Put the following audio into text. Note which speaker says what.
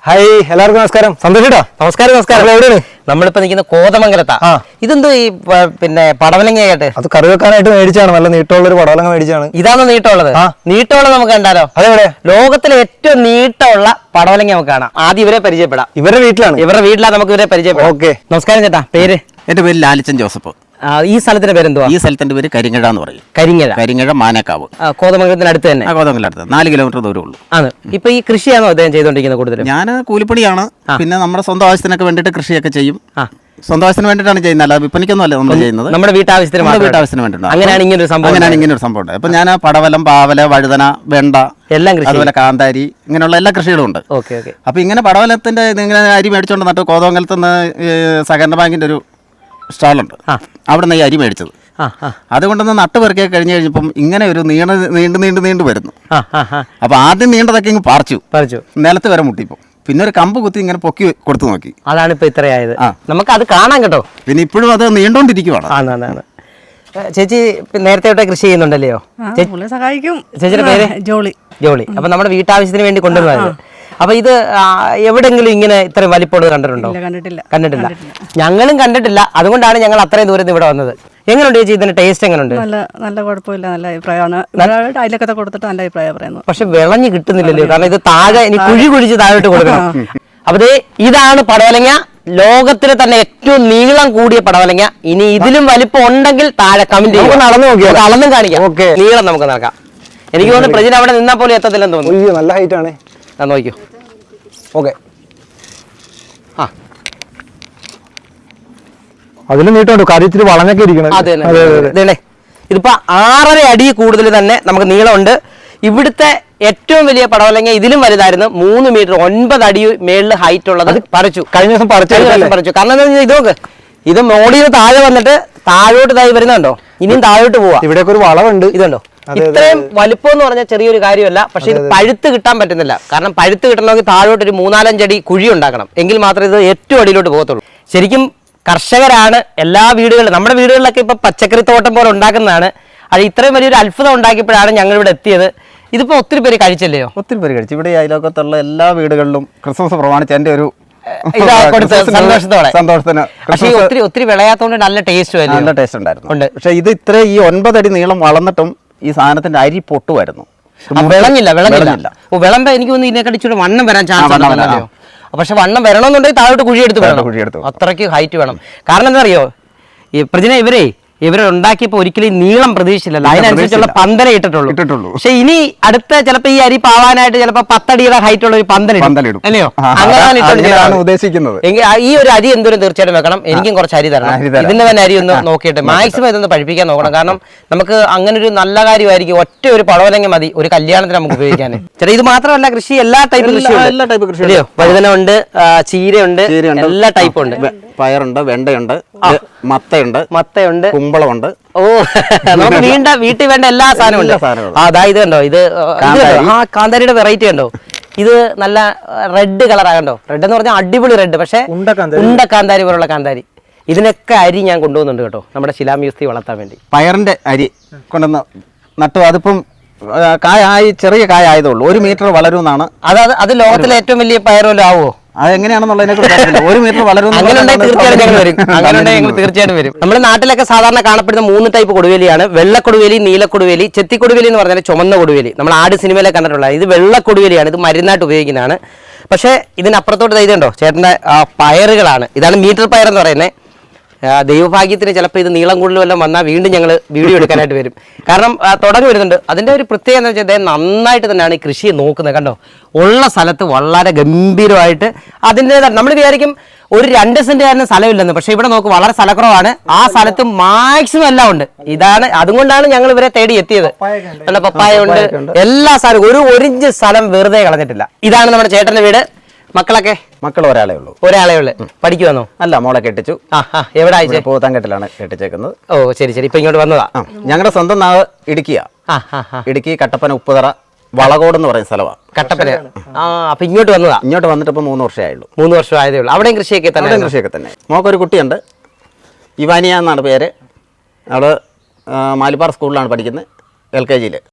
Speaker 1: Hi എല്ലാവർക്കും നമസ്കാരം. സന്തോഷേട്ടാ
Speaker 2: നമസ്കാരം. എവിടെയാണ്? നമ്മളിപ്പോ നിൽക്കുന്ന കോതമംഗലത്താ. ഇതെന്തോ ഈ പിന്നെ പടവലങ്ങയായിട്ട്
Speaker 1: അത് കറി വെക്കാനായിട്ട് മേടിച്ചാണ്. നല്ല നീട്ടമുള്ളൊരു പടവലങ്ങ മേടിച്ചാണ്.
Speaker 2: ഇതാണോ നീട്ടമുള്ളത്? നീട്ടമുള്ളത് നമുക്ക് കണ്ടാലോ?
Speaker 1: അതെവിടെ?
Speaker 2: ലോകത്തിലെ ഏറ്റവും നീട്ടമുള്ള പടവലങ്ങ നമുക്ക് കാണാം. ആദ്യം ഇവരെ പരിചയപ്പെടാം.
Speaker 1: ഇവരുടെ വീട്ടിലാണ്
Speaker 2: നമുക്ക് ഇവരെ പരിചയപ്പെടാം.
Speaker 1: ഓക്കെ,
Speaker 2: നമസ്കാരം ചേട്ടാ. പേര്?
Speaker 3: എന്റെ പേര് ലാലിച്ചൻ ജോസഫ്.
Speaker 2: ഈ സ്ഥലത്തിന്റെ പേരെന്തുവാ?
Speaker 3: ഈ സ്ഥലത്തിന്റെ പേര് കരിങ്ങഴ എന്ന് പറയും.
Speaker 2: കരിങ്ങഴ
Speaker 3: മാനക്കാവ്.
Speaker 2: കോതമംഗലത്തിന് അടുത്ത് തന്നെ.
Speaker 3: കോതമംഗലത്ത് 4 കിലോമീറ്റർ ദൂരമുള്ളൂ.
Speaker 2: ആണ്. ഇപ്പൊ ഈ കൃഷിയാണോ അദ്ദേഹം ചെയ്തോണ്ടിരിക്കുന്നത് കൂടുതലും?
Speaker 3: ഞാൻ കൂലിപ്പണിയാണ്. പിന്നെ നമ്മുടെ സ്വന്തം ആവശ്യത്തിനൊക്കെ വേണ്ടിയിട്ട് കൃഷിയൊക്കെ ചെയ്യും. സ്വന്തം ആവശ്യത്തിന് വേണ്ടിയിട്ടാണ് ചെയ്യുന്നത്, അല്ല വിപണിക്കൊന്നും അല്ല നമ്മൾ ചെയ്യുന്നത്.
Speaker 2: നമ്മുടെ വീട്ടാവശ്യത്തിന്
Speaker 3: വേണ്ടിയിട്ടുണ്ട്.
Speaker 2: അങ്ങനെയാണ് ഇങ്ങനെ ഒരു സംഭവം
Speaker 3: ഉണ്ട്. അപ്പൊ ഞാൻ പടവലം, പാവല, വഴുതന, വെണ്ട,
Speaker 2: എല്ലാം കൃഷി,
Speaker 3: അതുപോലെ കാന്താരി, ഇങ്ങനെയുള്ള എല്ലാ കൃഷികളും ഉണ്ട്. അപ്പൊ ഇങ്ങനെ പടവലത്തിന്റെ ഇങ്ങനെ അരി മേടിച്ചോണ്ട് നട്ട് കോതമംഗലത്ത് നിന്ന് സഹകരണ ബാങ്കിന്റെ ഒരു സ്റ്റാളുണ്ട്, അവിടെ നിന്ന് ഈ അരി മേടിച്ചത്. അതുകൊണ്ടൊന്ന് നട്ടുപെറുക്കി കഴിഞ്ഞ് കഴിഞ്ഞപ്പം ഇങ്ങനെ ഒരു നീണ്ടു വരുന്നു. അപ്പൊ ആദ്യം നീണ്ടതൊക്കെ ഇങ്ങ് പറിച്ചു നിലത്ത് വരെ മുട്ടിപ്പോ, പിന്നെ ഒരു കമ്പ് കുത്തി ഇങ്ങനെ പൊക്കി കൊടുത്തു നോക്കി.
Speaker 2: അതാണ് ഇപ്പൊ ഇത്രയായത്. നമുക്ക് അത് കാണാം കേട്ടോ.
Speaker 3: പിന്നെ ഇപ്പോഴും അത് നീണ്ടോണ്ടിരിക്കുവാണ്.
Speaker 2: ചേച്ചി നേരത്തെ തൊട്ടേ കൃഷി ചെയ്യുന്നുണ്ടല്ലോ?
Speaker 4: സഹായിക്കും.
Speaker 2: ചേച്ചിയുടെ പേര്? ജോളി. അപ്പൊ നമ്മുടെ വീട്ടാവശ്യത്തിന് വേണ്ടി കൊണ്ടുവന്നത്. അപ്പൊ ഇത് എവിടെങ്കിലും ഇങ്ങനെ ഇത്രയും വലിപ്പമുള്ളത് കണ്ടിട്ടുണ്ടോ? കണ്ടിട്ടില്ല. ഞങ്ങളും കണ്ടിട്ടില്ല. അതുകൊണ്ടാണ് ഞങ്ങൾ അത്രയും ദൂരത്ത് ഇവിടെ വന്നത്. എങ്ങനെയുണ്ട് ചേച്ചി ഇതിന്റെ ടേസ്റ്റ്? എങ്ങനെയുണ്ട്?
Speaker 4: നല്ല കുഴപ്പമില്ല, നല്ല അഭിപ്രായമാണ്. അതിലൊക്കെ കൊടുത്തിട്ട് നല്ല അഭിപ്രായം പറയുന്നു.
Speaker 2: പക്ഷെ വിളഞ്ഞു കിട്ടുന്നില്ലല്ലോ, കാരണം ഇത് താഴെ ഇനി കുഴിച്ച് താഴോട്ട് കൊടുക്കണം. അപ്പൊ ഇതാണ് പടവലങ്ങ. ലോകത്തിലെ തന്നെ ഏറ്റവും നീളം കൂടിയ പടവലങ്ങ. ഇനി ഇതിലും വലിപ്പം ഉണ്ടെങ്കിൽ താഴെ കമന്റ് ചെയ്യും. അളന്നും കാണിക്കാം. നീളം നമുക്ക് നടക്കാം. എനിക്ക് തോന്നുന്നു പ്രജിന് അവിടെ നിന്നാൽ പോലും എത്തത്തില്ലെന്ന് തോന്നുന്നു.
Speaker 1: നല്ല ഹൈറ്റ് ആണ്.
Speaker 2: നോക്കിയോ.
Speaker 1: ഓക്കെ, അതിന് നീട്ടമുണ്ട്. കാര്യത്തിൽ വളഞ്ഞൊക്കെ ഇരിക്കണം.
Speaker 2: അതെ. ഇതിപ്പോ 6.5 അടി കൂടുതൽ തന്നെ നമുക്ക് നീളമുണ്ട്. ഇവിടുത്തെ ഏറ്റവും വലിയ പടവലങ്ങ ഇതിലും വലുതായിരുന്നു. 3 മീറ്റർ 9 അടി മേളിൽ ഹൈറ്റ് ഉള്ളത് പറിച്ചു. കഴിഞ്ഞ ദിവസം പറിച്ചു. കാരണം എന്താ വെച്ചാൽ ഇത് നോക്ക്, ഇത് മോടിയിൽ താഴെ വന്നിട്ട് താഴോട്ട് തായി വരുന്നുണ്ടോ? ഇനിയും താഴോട്ട് പോവാ.
Speaker 1: ഇവിടെയൊക്കെ ഒരു വളവുണ്ട്.
Speaker 2: ഇതുണ്ടോ? ഇത്രയും വലിപ്പം എന്ന് പറഞ്ഞാൽ ചെറിയൊരു കാര്യമല്ല. പക്ഷെ ഇത് പഴുത്ത് കിട്ടാൻ പറ്റുന്നില്ല. കാരണം പഴുത്ത് കിട്ടണമെങ്കിൽ താഴോട്ട് ഒരു 3-4 അടി കുഴി ഉണ്ടാക്കണം. എങ്കിൽ മാത്രമേ ഇത് ഏറ്റവും അടിയിലോട്ട് പോകത്തുള്ളൂ. ശരിക്കും കർഷകരാണ് എല്ലാ വീടുകളിലും, നമ്മുടെ വീടുകളിലൊക്കെ ഇപ്പൊ പച്ചക്കറി തോട്ടം പോലെ ഉണ്ടാക്കുന്നതാണ്. അത് ഇത്രയും വലിയൊരു അത്ഭുതം ഉണ്ടാക്കിയപ്പോഴാണ് ഞങ്ങൾ ഇവിടെ എത്തിയത്. ഇതിപ്പോ ഒത്തിരി പേര് കഴിച്ചല്ലയോ?
Speaker 3: ഒത്തിരി പേര് കഴിച്ചു. ഇവിടെ അയലോക്കത്തുള്ള എല്ലാ വീടുകളിലും ക്രിസ്മസ് പ്രമാണിച്ച് എന്റെ ഒരു
Speaker 2: സന്തോഷത്തിന്. പക്ഷേ ഒത്തിരി വിളയാത്തോണ്ട് നല്ല ടേസ്റ്റ്
Speaker 3: ഉണ്ടായിരുന്നു. പക്ഷെ ഇത് ഇത്ര ഈ 9 അടി നീളം വളർന്നിട്ടും ഈ സാധനത്തിന്റെ അരി പൊട്ടുമായിരുന്നു.
Speaker 2: വിളഞ്ഞില്ല. വിളമ്പ എനിക്ക് തോന്നുന്നു ഇതിനെക്കടിച്ചൂടെ വണ്ണം വരാൻ ചാൻസ് ഉണ്ടല്ലോ. പക്ഷെ വണ്ണം വരണമെന്നുണ്ടെങ്കിൽ താഴോട്ട് കുഴിയെടുത്ത് അത്രയ്ക്ക് ഹൈറ്റ് വേണം. കാരണം എന്താ അറിയോ, ഈ പ്രജന ഇവരെ ഉണ്ടാക്കിയപ്പോ ഒരിക്കലും നീളം പ്രതീക്ഷിച്ചില്ലല്ലോ. അതിനനുസരിച്ചുള്ള പന്തല ഇട്ടിട്ടുള്ളൂ. പക്ഷെ ഇനി അടുത്ത ചിലപ്പോ ഈ അരി പാവാനായിട്ട് ചിലപ്പോ 10 അടിയുടെ ഹൈറ്റ് ഉള്ള ഒരു പന്തലിടും, അല്ലയോ? അങ്ങനെയാണ്
Speaker 3: ഉദ്ദേശിക്കുന്നത്.
Speaker 2: ഈ ഒരു അരി എന്തോരം തീർച്ചയായിട്ടും വെക്കണം. എനിക്കും കുറച്ച് അരി തരണം. ഇതിന്റെ തന്നെ അരി ഒന്ന് നോക്കിയിട്ട് മാക്സിമം ഇതൊന്ന് പഠിപ്പിക്കാൻ നോക്കണം. കാരണം നമുക്ക് അങ്ങനെ ഒരു നല്ല കാര്യമായിരിക്കും. ഒറ്റ ഒരു പടവലങ്ങ മതി ഒരു കല്യാണത്തിന് നമുക്ക് ഉപയോഗിക്കാൻ. ചേട്ടാ, ഇത് മാത്രമല്ല കൃഷി, എല്ലാ ടൈപ്പ് കൃഷി. വഴുതന ഉണ്ട്, ചീരയുണ്ട്, എല്ലാ ടൈപ്പും ഉണ്ട്.
Speaker 3: പയറുണ്ട്, വെണ്ടയുണ്ട്, മത്തയുണ്ട്, കുമ്പളമുണ്ട്.
Speaker 2: ഓ, നമുക്ക് വീട്ടിൽ വേണ്ട എല്ലാ സാധനവും ഉണ്ട്. അതായത് കണ്ടോ, ഇത് കാന്താരിയുടെ വെറൈറ്റി കണ്ടോ? ഇത് നല്ല റെഡ് കളറാകണ്ടോ? റെഡ് എന്ന് പറഞ്ഞാൽ അടിപൊളി റെഡ്. പക്ഷെ ഉണ്ട കാന്താരി പോലുള്ള കാന്താരി. ഇതിനൊക്കെ അരി ഞാൻ കൊണ്ടുപോകുന്നുണ്ട് കേട്ടോ, നമ്മുടെ ശിലാമ്യൂസ്തി വളർത്താൻ വേണ്ടി.
Speaker 3: പയറിന്റെ അരി കൊണ്ടുവന്ന് നട്ടു. അതിപ്പം ചെറിയ കായ ആയതുള്ളൂ. 1 മീറ്റർ വളരുമെന്നാണ്.
Speaker 2: അത് ലോകത്തിലെ ഏറ്റവും വലിയ പയറുമല്ലോ ആവോ?
Speaker 3: അതെങ്ങനെയാണെന്നുള്ളതിനെ കുറിച്ച് 1 മീറ്റർ വളരും.
Speaker 2: തീർച്ചയായിട്ടും വരും. നമ്മുടെ നാട്ടിലൊക്കെ സാധാരണ കാണപ്പെടുന്ന 3 ടൈപ്പ് കൊടുവേലിയാണ്. വെള്ളക്കൊടുവേലി, നീലക്കൊടുവേലി, ചെത്തിക്കൊടുവേലി എന്ന് പറഞ്ഞാൽ ചുമന്ന കൊടുവേലി. നമ്മൾ ആട് സിനിമയിലെ കണ്ടിട്ടുള്ള ഇത് വെള്ളക്കൊടുവേലിയാണ്. ഇത് മരുന്നായിട്ട് ഉപയോഗിക്കുന്നതാണ്. പക്ഷേ ഇതിനപ്പുറത്തോട്ട് ഇതുണ്ടോ ചേട്ടൻ്റെ പയറുകളാണ്. ഇതാണ് മീറ്റർ പയർ എന്ന് പറയുന്നത്. ദൈവഭാഗ്യത്തിന് ചിലപ്പോൾ ഇത് നീളം കൂടുതൽ വല്ലതും വന്നാൽ വീണ്ടും ഞങ്ങൾ വീഡിയോ എടുക്കാനായിട്ട് വരും. കാരണം തുടങ്ങി വരുന്നുണ്ട്. അതിൻ്റെ ഒരു പ്രത്യേകത എന്ന് വെച്ചാൽ അദ്ദേഹം നന്നായിട്ട് തന്നെയാണ് ഈ കൃഷിയെ നോക്കുന്നത്. കണ്ടോ, ഉള്ള സ്ഥലത്ത് വളരെ ഗംഭീരമായിട്ട് അതിൻ്റെതായ നമ്മൾ വിചാരിക്കും ഒരു 2 സെൻറ്റുകാരന് സ്ഥലമില്ലെന്ന്. പക്ഷെ ഇവിടെ നോക്കും, വളരെ സ്ഥലക്കുറവാണ്. ആ സ്ഥലത്ത് മാക്സിമം എല്ലാം ഉണ്ട്. അതുകൊണ്ടാണ് ഞങ്ങൾ ഇവരെ തേടി എത്തിയത്. നല്ല പപ്പായ ഉണ്ട്, എല്ലാ സ്ഥലവും. 1 ഇഞ്ച് സ്ഥലം വെറുതെ കളഞ്ഞിട്ടില്ല. ഇതാണ് നമ്മുടെ ചേട്ടന്റെ വീട്.
Speaker 3: മക്കൾ ഒരാളേ ഉള്ളൂ.
Speaker 2: പഠിക്കുവാന്നോ?
Speaker 3: അല്ല, മോളെ കെട്ടിച്ചു.
Speaker 2: എവിടെ?
Speaker 3: പോത്താങ്കെട്ടിലാണ് കെട്ടിച്ചേക്കുന്നത്.
Speaker 2: ഓ, ശരി. ഇപ്പൊ ഇങ്ങോട്ട് വന്നതാ.
Speaker 3: ഞങ്ങളുടെ സ്വന്തം നാവ് ഇടുക്കിയാ. ഇടുക്കി കട്ടപ്പന ഉപ്പുതറ വളകോട് എന്ന് പറയുന്ന സ്ഥലമാണ്.
Speaker 2: കട്ടപ്പന. അപ്പൊ ഇങ്ങോട്ട് വന്നതാ?
Speaker 3: ഇങ്ങോട്ട് വന്നിട്ട് ഇപ്പൊ 3 വർഷമായുള്ളൂ.
Speaker 2: 3 വർഷം ആയതേ ഉള്ളൂ. അവിടെയും കൃഷിയൊക്കെ
Speaker 3: തന്നെ. മോക്കൊരു കുട്ടിയുണ്ട്, ഇവാനിയ എന്നാണ് പേര്. അവള് മാലിപ്പാറ സ്കൂളിലാണ് പഠിക്കുന്നത്, LKG.